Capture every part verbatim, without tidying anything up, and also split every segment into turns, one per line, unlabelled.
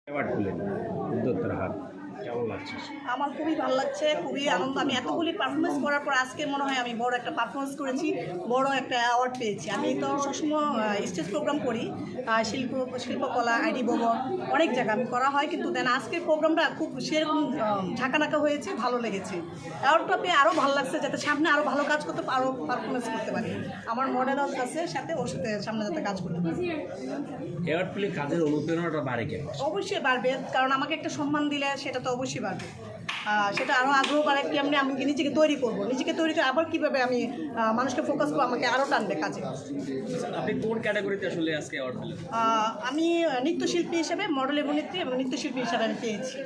Award পেলেন উদ্যোক্তার হাত, কেমন লাগছে?
আমার খুবই ভালো লাগছে, খুবই আনন্দ। আমি এতগুলি পারফরমেন্স করার পর আজকে মনে হয় আমি বড় একটা পারফরমেন্স করেছি, বড় একটা অ্যাওয়ার্ড পেয়েছি। আমি তো সবসময় স্টেজ প্রোগ্রাম করি, আহ, শিল্প শিল্পকলা আইডি ভবন অনেক জায়গায় আমি করা হয়, কিন্তু দেন আজকের প্রোগ্রামটা খুব সেরকম ঝাঁকানাকা হয়েছে, ভালো লেগেছে। অ্যাওয়ার্ডটা পেয়ে আরও ভালো লাগছে, যাতে সামনে আরও ভালো কাজ করতে আরও পারফরমেন্স করতে পারি। আমার মডেল আছে সাথে, ওর সাথে সামনে যাতে কাজ করতে পারি।
অ্যাওয়ার্ড পেলে কাজের অনুপ্রেরণাটা বাড়ে কেন?
অবশ্যই বাড়বে, কারণ আমাকে একটা সম্মান দিলে সেটা তো অবশ্যই বাড়বে। আহ, সেটা আরও আগ্রহ বাড়ে, কেমনি আমি নিজেকে তৈরি করব, নিজেকে তৈরি করে আবার কীভাবে আমি আহ, মানুষকে ফোকাস করবো, আমাকে আরও টানবে কাজে।
আপনি কোন ক্যাটাগরিতে আসলে আজকে অ্যাওয়ার্ড পেলেন?
আহ, আমি নৃত্যশিল্পী হিসেবে, মডেল অভিনেত্রী এবং নৃত্যশিল্পী হিসাবে আমি পেয়েছি।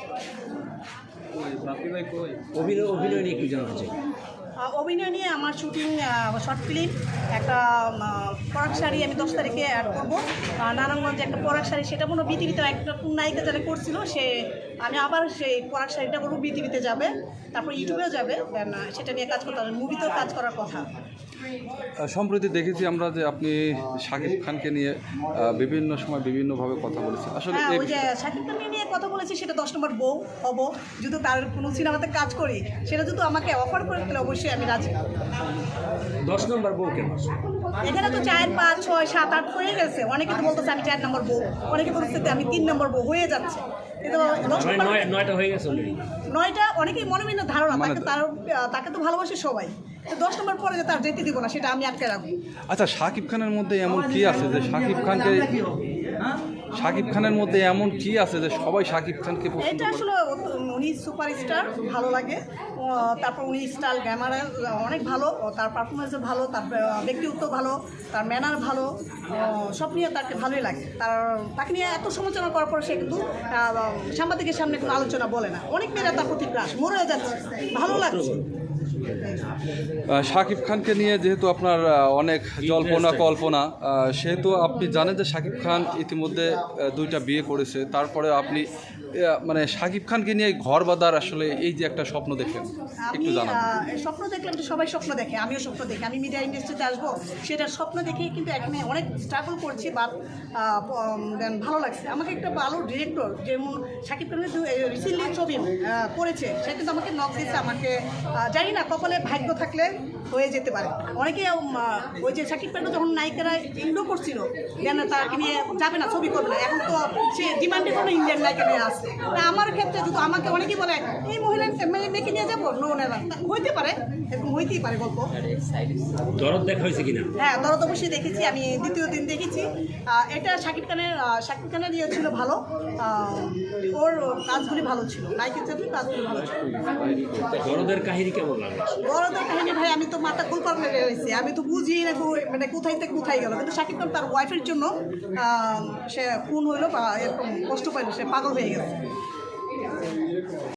কই বাপি ভাই কই?
অভিনয় অভিনয় নিয়ে একটু জানতে চাই।
আহ, অভিনয় নিয়ে আমার শুটিং শর্ট ফিল্ম, একটা আহ, পরাগ শাড়ি আমি দশ তারিখে অ্যাড করবো। আহ, নারায়ণগঞ্জে একটা পরাগ শাড়ি, সেটা কোনো বিটিভিতে একটা কোন নায়িকা যারা করছিল, সে আমি আবার সেই পরাগ শাড়িটা বলবো বিটিভিতে যাবে, তারপর ইউটিউবেও যাবে। দেন সেটা নিয়ে কাজ করতে হবে, মুভিতেও কাজ করার কথা।
সম্প্রতি দেখেছি আমরা যে আপনি শাকিব খানকে নিয়ে আহ, বিভিন্ন সময় বিভিন্নভাবে কথা বলেছেন। আসলে
হ্যাঁ,
এই
ওই যে শাকিব খানকে নিয়ে কথা বলেছি, সেটা দশ নম্বর বউ হবো। যদি তার কোনো সিনেমাতে কাজ করি, সেটা যদি আমাকে অফার করে দিলে অবশ্যই আমি রাজি।
দশ নম্বর বউ কেন?
এখানে তো চার পাঁচ ছয় সাত আট হয়ে গেছে, অনেকে তো বলতেছে আমি চার নম্বর বউ, অনেকে বলতেছে আমি তিন নম্বর বউ, হয়ে যাচ্ছে। কিন্তু দশ
মানে
নম্বর
নয় নয়টা হয়ে গেছে অলরেডি।
নয়টা অনেকেই মনোবিন্ন ধারণা,
মানে-
তাকে তার তাকে তো ভালোবাসে সবাই, তো দশ নম্বর পরে যে তার যেতে দিব না, সেটা আমি আটকে রাখবো।
আচ্ছা, শাকিব খানের মধ্যে এমন কি আছে যে শাকিব খানকে শাকিব খানের মধ্যে এমন কি আছে যে সবাই শাকিব খানকে পছন্দ
এটা
করে?
আসলে উনি সুপারস্টার, ভালো লাগে। আহ, তারপর উনি স্টাইল গ্যামারে অনেক ভালো, তার পারফরমেন্সও ভালো, তার ব্যক্তিত্ব ভালো, তার ম্যানার ভালো, আহ, সব নিয়ে তাকে ভালোই লাগে। তার তাকে নিয়ে এত সমালোচনা করার পর সে কিন্তু আহ, সাংবাদিকের সামনে কোনো আলোচনা বলে না। অনেক মেয়েরা তার প্রতি ক্রাশ, মরে যাচ্ছে, ভালো লাগছে।
আহ, শাকিব খানকে নিয়ে যেহেতু আপনার আহ, অনেক জল্পনা কল্পনা, আহ, সেহেতু আপনি জানেন যে শাকিব খান ইতিমধ্যে আহ, দুইটা বিয়ে করেছে, তারপরে আপনি আহ, মানে শাকিব খানকে নিয়ে ঘর বাঁধার আসলে এই যে একটা স্বপ্ন দেখেন,
আমি
একটু জানান।
আহ, স্বপ্ন দেখলাম তো সবাই স্বপ্ন দেখে, আমিও স্বপ্ন দেখি আমি মিডিয়া ইন্ডাস্ট্রিতে আসবো, সেটার স্বপ্ন দেখেই কিন্তু এখানে অনেক স্ট্রাগল করছি, বাট দেন ভালো লাগছে। আমাকে একটা ভালো ডিরেক্টর, যেমন শাকিব খানের রিসেন্টলি ছবি আহ, করেছে, সে কিন্তু আমাকে নক দিয়েছে। আমাকে আহ, জানি না, কপালে ভাগ্য থাকলে হয়ে যেতে পারে। অনেকে উম, আহ, ওই যে শাকিব খানকে যখন নায়িকারা ইন্ডো করছিল, যেন তাকে নিয়ে যাবে না, ছবি করবে না, এখন তো সে ডিমান্ডে কোনো ইন্ডিয়ান নায়িকা নিয়ে আসছে। তা আমার ক্ষেত্রে যদি আমাকে অনেকেই বলে এই মহিলা মেয়ে- মেয়েকে নিয়ে যাবো, নো নেবা, হইতে পারে, এরকম হইতেই পারে গল্প।
দরদ দেখা হয়েছে কিনা?
হ্যাঁ, দরদ অবশ্যই দেখেছি, আমি দ্বিতীয় দিন দেখেছি। আহ, এটা শাকিব খানের আহ, শাকিব খানের ইয়ে ছিল ভালো, আহ, ওর কাজগুলি ভালো ছিল, নায়িকের ক্ষেত্রে কাজগুলি ভালো ছিল।
দরদের কাহিনী কেমন লাগে?
দরদের কাহিনী ভাই, আমি তো মাথা গোলপাল মেরে রয়েছি, আমি তো বুঝি না কো- মানে কোথায় থেকে কোথায় গেল। কিন্তু শাকিব খান তার ওয়াইফের জন্য আহ, সে খুন হইলো বা এরকম কষ্ট পাইলো, সে পাগল হয়ে গেছে।